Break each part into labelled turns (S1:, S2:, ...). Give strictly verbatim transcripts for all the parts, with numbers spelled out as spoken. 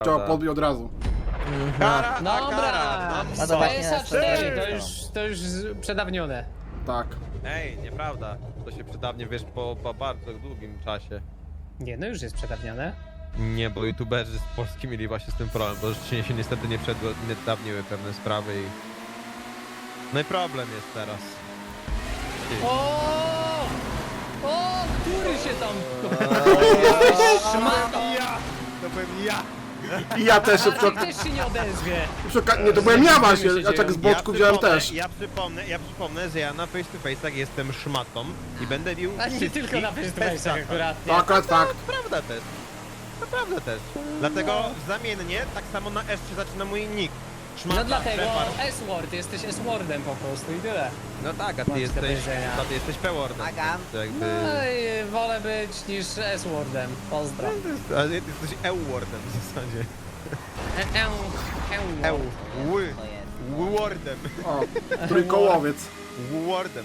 S1: Trzeba podbić od razu.
S2: Kara, a
S3: Dobra,
S2: kara.
S3: no,
S2: No,
S3: P S A cztery, to
S2: serio?
S3: już, to już przedawnione.
S1: Tak.
S2: Ej, nieprawda. To się przydawnie, wiesz, po, po bardzo długim czasie.
S3: Nie, no już jest przedawnione.
S2: Nie, bo youtuberzy z Polski mieli właśnie z tym problem, bo rzeczywiście się niestety nie przedawniły pewne sprawy i... No i problem jest teraz.
S3: O! O! Który się tam... Szmato!
S2: Ja! To byłem ja!
S1: I ja też się
S3: Arek
S1: przy...
S3: też się nie odezwie.
S1: przy... Nie, to byłem ja właśnie,
S3: się
S1: ja tak z
S3: dzieją.
S1: boczku wziąłem
S2: przypomnę,
S1: też.
S2: Ja przypomnę, ja przypomnę, że ja na face to face'ach jestem szmatą i będę bił
S3: A nie
S2: wszystkich
S3: tylko na face to
S2: bez
S3: face'ach
S2: szata.
S3: akurat.
S1: To akurat fakt.
S2: Prawda też. Naprawdę też. Dlatego zamiennie tak samo na S się zaczyna mój nick. Szmata,
S3: No dlatego
S2: Shepard.
S3: S-word, jesteś S-wordem po prostu i tyle.
S2: No tak, a
S3: Mam
S2: ty
S3: ci do
S2: jesteś,
S3: powiedzenia.
S2: a ty jesteś P-wordem.
S4: Agam.
S2: To jakby...
S3: No i wolę być niż S-wordem. Pozdro.
S2: Ale ty jesteś E-wordem w zasadzie.
S3: E- e- e-
S2: E-ł. Ły.
S4: To jest.
S2: Wordem.
S1: O, trójkołowiec.
S2: Wordem.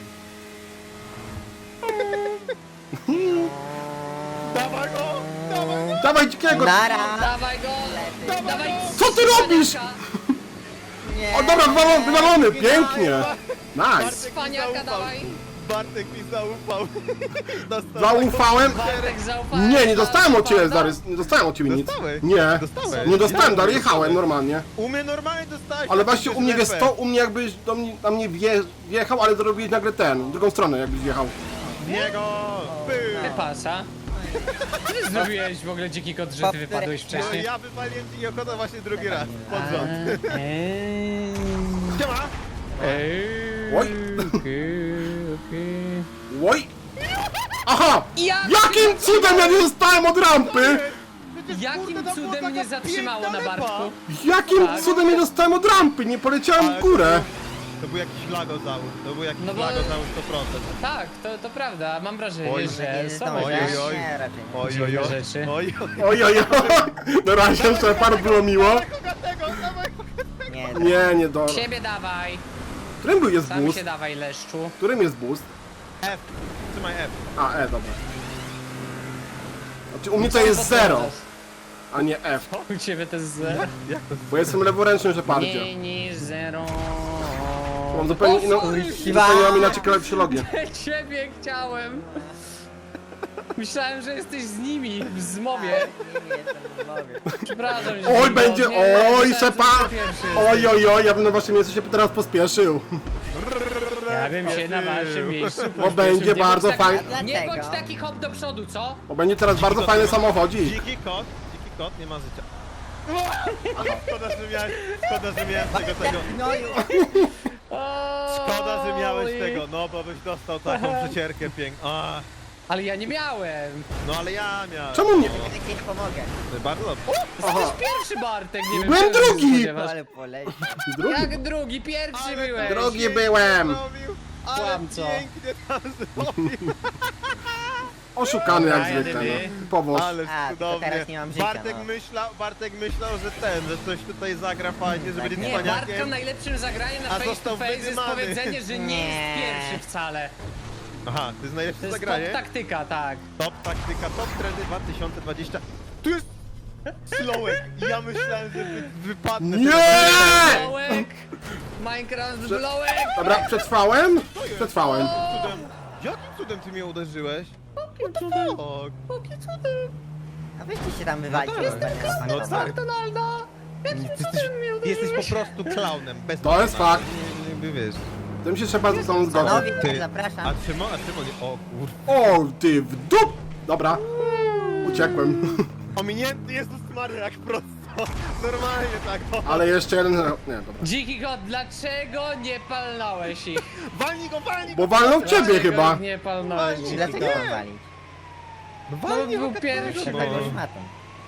S2: Dawaj go! Dawaj go!
S1: Dawaj dzikiego!
S4: Nara!
S3: Dawaj go! Dawaj!
S1: Co ty robisz?
S4: Nie!
S1: O dobra, wywalony, wywalony, pięknie! Nice!
S3: Cwaniaka, dawaj!
S2: Bartek mi zaufał. Dostał
S1: Zaufałem?
S3: Bartek zaufałem.
S1: Nie, nie dostałem od ciebie,
S3: Prawda?
S1: Zarys, nie dostałem od ciebie nic.
S2: Dostałeś?
S1: Nie,
S2: Dostałeś?
S1: nie dostałem, Dar,
S2: Jak
S1: jechałem
S2: dostałeś?
S1: normalnie.
S2: U mnie normalnie dostałeś.
S1: Ale
S2: tak
S1: właśnie u mnie
S2: jest
S1: jest to, u mnie jakbyś do mnie, na mnie wje, wjechał, ale zrobiłeś nagle ten, w drugą stronę jakbyś wjechał.
S2: W niego! Pył!
S3: Nie pasa. Co ty zrobiłeś w ogóle dziki kot, że ty wypadłeś
S2: No
S3: wcześniej?
S2: ja wypaliłem ci ochotę właśnie drugi raz. Pod rząd.
S3: Eee,
S2: Siema!
S3: eee,
S1: Oj.
S3: okej, okej.
S1: Oj! Aha!
S3: Ja
S1: Jakim cudem ja nie dostałem od rampy?
S2: Przecież,
S3: Jakim
S2: kurde, to była
S3: cudem
S2: taka
S3: mnie zatrzymało
S2: piękna
S3: na
S2: lepa.
S3: barku?
S1: Jakim
S3: Tak.
S1: cudem nie dostałem od rampy? Nie poleciałem
S2: Ale
S1: w górę.
S2: To, to był jakiś lagozałóż, to był jakiś
S3: No bo-
S2: lagozałóż sto procent.
S3: Tak, to, to prawda. Mam wrażenie,
S2: Oj,
S3: że
S4: Nie
S3: są
S4: zdążę.
S2: oj,
S3: jakieś...
S2: oj, oj.
S4: Nie, raczej nie.
S2: Oj, oj,
S3: Dziwne
S2: oj.
S3: rzeczy.
S2: Oj, oj.
S1: Oj, oj, oj. Na razie, Shepard, było miło.
S2: Kogatego, dawaj.
S4: Nie,
S1: Nie, nie do...
S3: Siebie dawaj.
S1: Którym był jest
S3: Sam
S1: boost?
S3: się dawaj, leszczu.
S1: Którym jest boost?
S2: F. Trzymaj F.
S1: A, E, dobra. Znaczy u mnie to jest zero, a nie F.
S3: U ciebie to jest zero.
S2: Jak to
S1: Bo jestem leworęcznym Shepardzie.
S3: Mniej niż zero.
S1: Mam zupełnie inną... Zupełnie mam inaczej psychologię.
S3: Ciebie chciałem. Myślałem, że jesteś z nimi w zmowie.
S4: nie jestem w mowie.
S3: Przepraszam cię.
S1: Oj,
S3: no,
S1: będzie...
S3: nie,
S1: Oj,
S3: myślałem, że
S1: Shepard!
S3: ty pierwszy
S1: Oj,
S3: jesteś.
S1: oj, oj, ja bym na waszym miejscu się teraz pospieszył.
S3: Ja bym się na waszym miejscu
S1: Bo
S3: pośpieszył.
S1: będzie
S3: Nie bądź
S1: bardzo
S3: taki-
S1: fajnie.
S3: Nie
S4: Dlaczego?
S3: bądź taki hop do przodu, co?
S1: Bo będzie teraz bardzo fajny samochodzik.
S2: Dziki kot, dziki kot, nie ma życia. Szkoda, że miałeś, szkoda, że miałeś tego, tego.
S4: No już.
S2: Szkoda, że miałeś
S3: Oj.
S2: tego, no bo byś dostał taką przecierkę piękną. A,
S3: Ale ja nie miałem.
S2: no ale ja miałem.
S1: Czemu nie?
S2: No,
S4: Jak ci pomogę.
S2: bardzo dobrze.
S1: Aha.
S3: Pierwszy Bartek, nie wiem.
S1: Byłem
S3: czego się
S1: drugi.
S3: spodziewasz.
S4: Ale poleci.
S1: Drugi.
S3: Jak drugi? Pierwszy byłeś.
S1: Drogi
S2: pięknie
S1: byłem.
S2: zrobił, ale
S3: Kłamco.
S2: pięknie tam zrobił.
S1: Oszukany jak
S3: Dobra,
S1: zwykle,
S3: jedyny.
S1: no. Powoż.
S2: Ale
S4: A, tylko
S2: cudownie.
S4: teraz nie mam życia,
S2: Bartek,
S4: no.
S2: myślał, Bartek myślał, że ten, że coś tutaj zagra fajnie, że będzie
S3: Nie, Bartka
S2: cwaniakiem.
S3: najlepszym zagraniem na
S2: A
S3: face to
S2: został
S3: face jest
S2: wydymany.
S3: powiedzenie, że nie jest
S4: Nie.
S3: pierwszy wcale.
S2: Aha, to jest
S3: To
S2: najlepsze
S3: jest
S2: zagranie.
S3: top taktyka, tak.
S2: Top taktyka, top trendy dwa tysiące dwadzieścia. Tu jest slowek. Ja myślałem, że wy, wypadnę.
S1: Nie!
S3: Blołek! Minecraft blołek!
S1: Dobra, przetrwałem? Przetrwałem.
S2: Cudem. Jakim cudem ty mnie uderzyłeś? Ok.
S4: A weźcie się tam wywalić.
S2: No tak. No tak.
S3: McDonalda!
S2: Ty jesteś, ty jesteś po prostu klaunem. Bez
S1: To jest
S2: porównania.
S1: fakt.
S2: Nie, nie, nie wiesz.
S1: Tym się trzeba ze sobą zgodzić.
S4: Panowie,
S2: Ty.
S4: zapraszam.
S2: A Szymon, a Szymon, o kur...
S1: O, ty w dup! Dobra. Uciekłem.
S2: Ominięty Jezus Maria, jak prosto. Normalnie tak. O.
S1: Ale jeszcze jeden... Nie, dobra.
S3: Dziki kot, dlaczego nie palnąłeś ich?
S2: Walnij go, walnij go!
S1: Bo walną w ciebie
S3: Dlaczego
S1: chyba.
S3: ich nie palnąłeś?
S2: Walnij.
S3: dziki
S4: Dlaczego
S3: kot?
S4: mam walić?
S2: No
S3: No,
S2: walnij
S3: był
S2: go,
S3: pierwszy,
S2: każdego,
S4: Tak,
S3: no.
S4: już matą.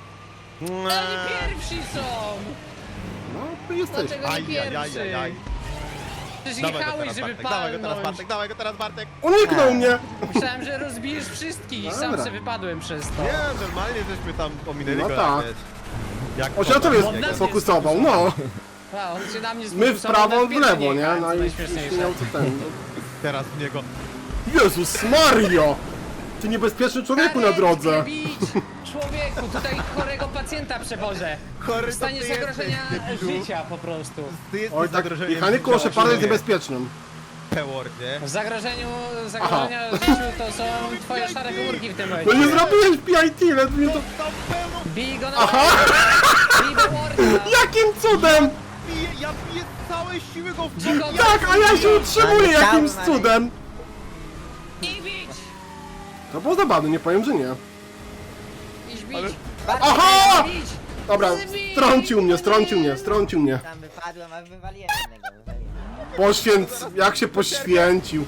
S3: Oni pierwsi są!
S1: No, ty jesteś.
S3: Dlaczego nie
S2: Aj, aj, aj,
S3: pierwszy?
S2: aj, aj.
S3: Przecież
S2: Dawaj go
S3: jechałeś,
S2: teraz,
S3: żeby
S2: Bartek, dawaj go teraz,
S3: palnąć.
S2: Bartek, dawaj go teraz, Bartek.
S1: Uniknął mnie.
S3: Myślałem, że rozbijesz wszystkich i sam
S1: Dobra.
S3: se wypadłem przez to.
S2: Nie, normalnie żeśmy tam ominęli
S1: No
S2: go
S1: tak.
S2: jak, jak
S1: On się na tobie
S3: Bo na mnie
S1: sfokusował, no.
S3: A, on się na mnie
S1: My w
S3: sfokusował,
S1: prawo,
S3: na
S1: on w
S3: pierwszy
S1: lewo, nie?
S3: jechałem,
S1: No
S3: co
S1: i
S3: najśmieszniejsze.
S1: miał co ten.
S2: Teraz w niego.
S1: Jezus Mario! Ty niebezpieczny człowieku na
S3: Karetkę
S1: drodze.
S3: bić! człowieku, tutaj chorego pacjenta przewożę.
S2: Chory
S3: W stanie
S2: to ty
S3: zagrożenia
S2: jesteś, debilu.
S3: życia po prostu.
S2: Ty jesteś
S1: Oj, tak,
S2: zagrożeniem
S1: jechanie koło
S2: życia,
S1: Sheparda jest
S2: nie.
S1: niebezpiecznym.
S2: P-wordzie.
S3: W zagrożeniu, zagrożenia życiu to są twoje szare komórki w tym
S1: No
S3: momencie.
S1: nie zrobiłeś P I T, lecz mnie to...
S2: Dostał pełną...
S3: Bij go na
S1: Aha!
S3: Bij go Warda!
S1: Jakim cudem?
S2: Piję, ja piję całe siły go w
S3: Dziko-
S1: Jak? A ja się utrzymuję jakimś cudem.
S3: I bić!
S1: To było zabawne, nie powiem, że nie.
S3: Iść bić!
S2: Ale-
S1: Aha!
S3: Bić!
S1: Dobra, strącił mnie, strącił mnie, strącił mnie.
S4: Tam wypadłem, a wywaliłem jednego, wywaliłem.
S1: Poświęc... jak się poświęcił.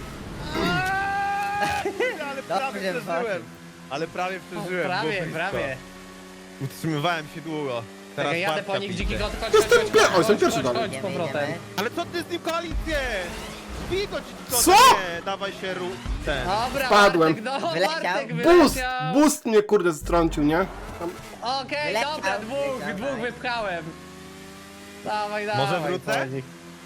S2: Ale prawie
S4: Dobrze,
S2: przeżyłem. Ale prawie
S3: O,
S2: przeżyłem.
S3: prawie,
S2: było blisko.
S3: prawie.
S2: Utrzymywałem się długo. Teraz
S3: Tak, jadę
S2: Bartka
S3: po nich,
S2: widzę.
S3: dziki kot, chodź,
S1: Jestem
S3: chodź,
S1: pier-
S3: chodź,
S1: o, jestem
S3: chodź,
S1: pierwszy
S3: chodź,
S1: dalej.
S3: chodź, z
S4: Idziemy,
S3: powrotem.
S4: idziemy.
S2: Ale co ty z nim koalicję? Bij go, dziko,
S1: Co?
S2: Nie, dawaj się ru... ten.
S3: Dobra,
S1: Spadłem.
S3: Bartek, no,
S4: Wyleciał.
S3: Bartek
S1: Boost!
S3: wyleciał.
S1: Boost mnie kurde strącił, nie? Tam...
S3: Okej,
S4: Wyleciał,
S3: dobra, dwóch,
S4: dawaj.
S3: dwóch wypchałem. Dawaj, dawaj.
S2: Może wrócę?
S3: Konik.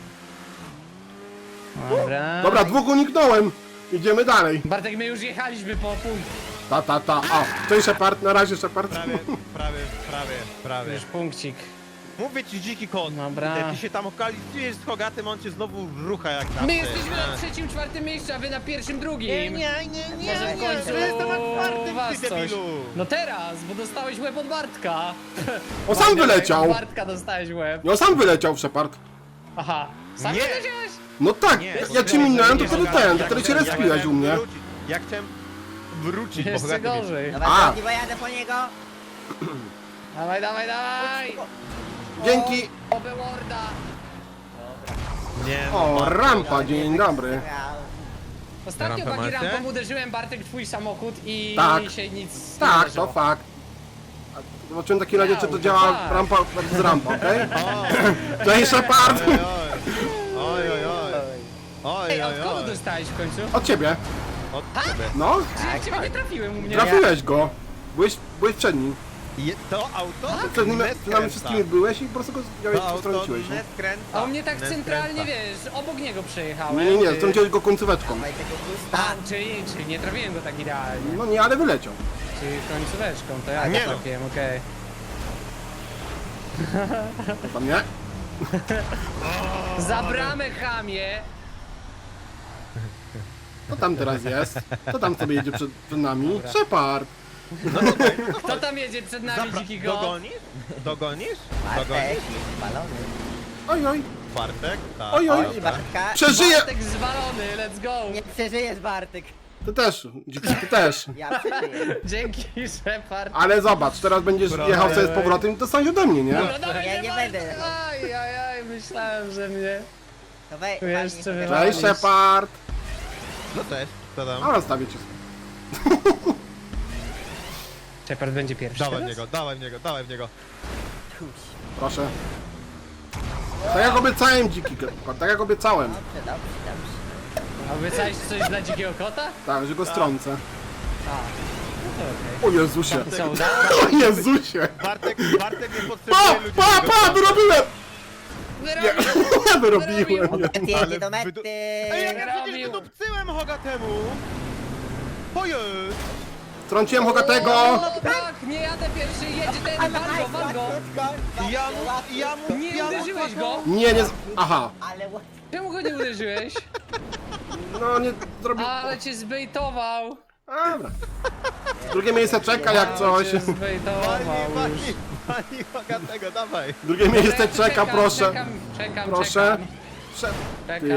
S3: Dobra.
S1: Dobra, dwóch uniknąłem. Idziemy dalej.
S3: Bartek, my już jechaliśmy po punkt.
S1: Ta, ta, ta. O, cześć Shepard, na razie Shepard.
S2: Prawie, prawie, prawie, prawie.
S3: Już punkcik.
S2: Mówię ci dziki kot.
S3: Dobra.
S2: Ty się tam okalicujesz z Hogatym, on cię znowu rucha jak na
S3: My jesteśmy na trzecim, czwartym miejscu, a wy na pierwszym, drugim.
S2: Nie, nie, nie, nie,
S3: Może w
S2: nie,
S3: końcu
S2: że jestem na czwartym,
S3: was
S2: ty
S3: coś.
S2: debilu.
S3: No teraz, bo dostałeś łeb od Bartka.
S1: O, sam wyleciał.
S3: Od Bartka dostałeś łeb.
S1: No sam wyleciał Shepard.
S3: Aha. Sam
S2: Nie.
S3: wyleciałeś?
S1: No tak,
S2: Nie,
S1: jak cię minąłem, to
S2: nie,
S1: wtedy
S2: nie,
S1: ten, to
S2: ja
S1: wtedy cię
S2: chciałem-
S1: respiłeś
S2: ja
S1: u mnie.
S2: chciałem wrócić. Ja chciałem wrócić, bo
S3: Jeszcze
S2: Hogaty mnie...
S3: gorzej.
S4: Dobra,
S1: A.
S4: drogi, bo jadę po niego.
S3: Dawaj, dawaj, dawaj.
S1: Dzięki.
S3: O, Warda.
S2: Nie, no,
S1: O,
S2: Bartek.
S1: rampa, dzień dobry.
S3: Ostatnio
S2: Rampę
S3: bagi
S2: macie?
S3: rampą uderzyłem, Bartek, twój samochód i
S1: Tak.
S3: się nic nie
S1: Tak,
S3: wydarzyło.
S1: to fakt. A Zobaczyłem taki razie, czy to
S3: Miał,
S1: działa
S3: tak.
S1: rampa z rampa, okej?
S2: O,
S1: Cześć Shepard!
S2: oj, oj, oj, oj, oj,
S3: Ej,
S2: oj,
S3: od kogo
S2: oj,
S3: dostałeś w końcu?
S1: Od ciebie.
S2: od ciebie.
S1: No,
S3: Czy ja ciebie nie trafiłem u mnie?
S1: trafiłeś go. Byłeś, byłeś przed nim.
S2: Je, to auto?
S1: Przed nim,
S2: nie
S1: przed nami
S2: skręca.
S1: wszystkimi byłeś i po prostu go wziąłeś
S2: To
S1: i
S2: auto
S1: strąciłeś.
S2: nie
S1: Nie,
S2: skręca.
S3: A u mnie tak
S2: nie
S3: centralnie,
S2: skręca.
S3: wiesz, obok niego przejechałem.
S1: nie, nie, nie
S3: Ty-
S1: strąciłeś go końcóweczką.
S4: Dawaj tego boosta.
S3: A, czyli, czyli nie trafiłem go tak idealnie.
S1: No nie, ale wyleciał.
S3: Czyli końcóweczką, to ja
S2: Nie
S3: go
S2: no.
S3: trafiłem, okej.
S1: Tam nie?
S3: Za bramę, chamie!
S1: Co tam teraz jest? Co tam sobie jedzie przed, przed nami? Shepard!
S3: Kto tam jedzie przed nami,
S2: Zapra-
S3: dziki go?
S2: Dogonisz? Dogonisz?
S4: Bartek
S2: Dogonisz?
S4: jest spalony.
S1: Oj, oj.
S2: Bartek? Tak.
S1: Oj, oj.
S4: Oj, Bartka.
S1: Przeżyję!
S3: Bartek zwalony, let's go!
S4: Nie przeżyjesz, Bartek.
S1: Ty też, dziki, ty też.
S4: Ja przeżyję.
S3: Dzięki, Shepard.
S1: Ale zobacz, teraz będziesz
S2: Dobra,
S1: jechał
S2: ej,
S1: sobie z
S2: ej.
S1: powrotem i dostaniesz ode mnie, nie?
S3: Dobra, dawaj,
S4: Ja nie
S3: dawaj,
S4: będę.
S3: Aj, aj, aj, myślałem, że mnie...
S4: To wej,
S3: Tu jeszcze
S4: walnij sobie.
S3: wywalić.
S1: Cześć Shepard!
S2: No cześć, co tam?
S1: A rozstawię cię.
S3: Shepard będzie pierwszy
S2: Dawaj w
S3: teraz?
S2: niego, dawaj w niego, dawaj w niego.
S4: Tuś.
S1: Proszę. Tak jak obiecałem dziki, kot, tak jak obiecałem.
S4: Dobrze, dobrze, dobrze.
S3: Obiecałeś coś dla dzikiego kota?
S1: Tak, że go strącę.
S3: A, no to okej.
S1: O Jezusie.
S3: Co, udało?
S1: O Jezusie.
S2: Bartek, Bartek nie
S1: Pa,
S2: potrzebuje ludzi.
S1: pa,
S2: którzy
S1: pa,
S2: go-
S1: wyrobiłem!
S3: Wyrobił!
S1: Ja wyrobiłem. nie.
S4: Ty jedzie
S2: Ale
S4: do
S2: wydu-
S4: mety.
S2: Ej, jak ja przecież
S3: Wyrobił.
S2: wydupcyłem Hogatemu! Ojej!
S1: Strąciłem Hogatego!
S3: No tak, nie jadę pierwszy, jedzie ten, wal go, wal go!
S2: Ja mu, ja mu,
S3: Nie
S2: ja mu
S3: uderzyłeś go?
S1: Nie, nie... z- Aha.
S4: Ale what?
S3: Czemu go nie uderzyłeś?
S1: No nie zrobił...
S3: Ale cię zbejtował!
S1: Dobra. Drugie miejsce czeka jak coś.
S3: Cię
S2: Pani,
S3: zbejtował
S2: pani,
S3: już.
S2: pani Hogatego, dawaj!
S1: Drugie miejsce
S3: Czekam,
S1: czeka, proszę.
S3: Czekam, czekam,
S1: Proszę.
S3: czekam.
S1: Prze-
S3: Czekam.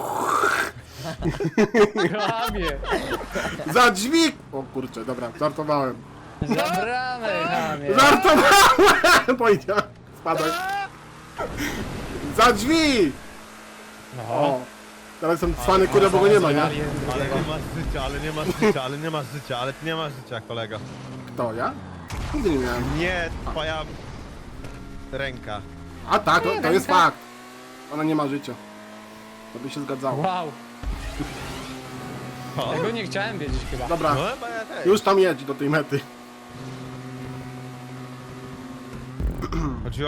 S1: Ty...
S3: Chamie.
S1: Za drzwi! O kurczę, dobra, żartowałem.
S3: Za bramę, chamie.
S1: Żartowałem! Powiedziałem. Spadaj. Za drzwi!
S3: No.
S1: O. Teraz jestem cwany, kurde, bo go nie ma, nie?
S2: Ale nie masz życia, ale nie masz życia, ale nie masz życia, ale ty nie masz życia, kolego.
S1: Kto, ja? Nigdy nie miałem.
S2: Nie, twoja ręka.
S1: A tak, to,
S3: Nie,
S1: to jest
S3: ręka.
S1: fakt. Ona nie ma życia. To by się zgadzało.
S3: Wow.
S2: O,
S3: Tego nie chciałem wiedzieć chyba.
S1: Dobra,
S2: no chyba ja też.
S1: już tam jedź do tej mety.
S2: Chodziło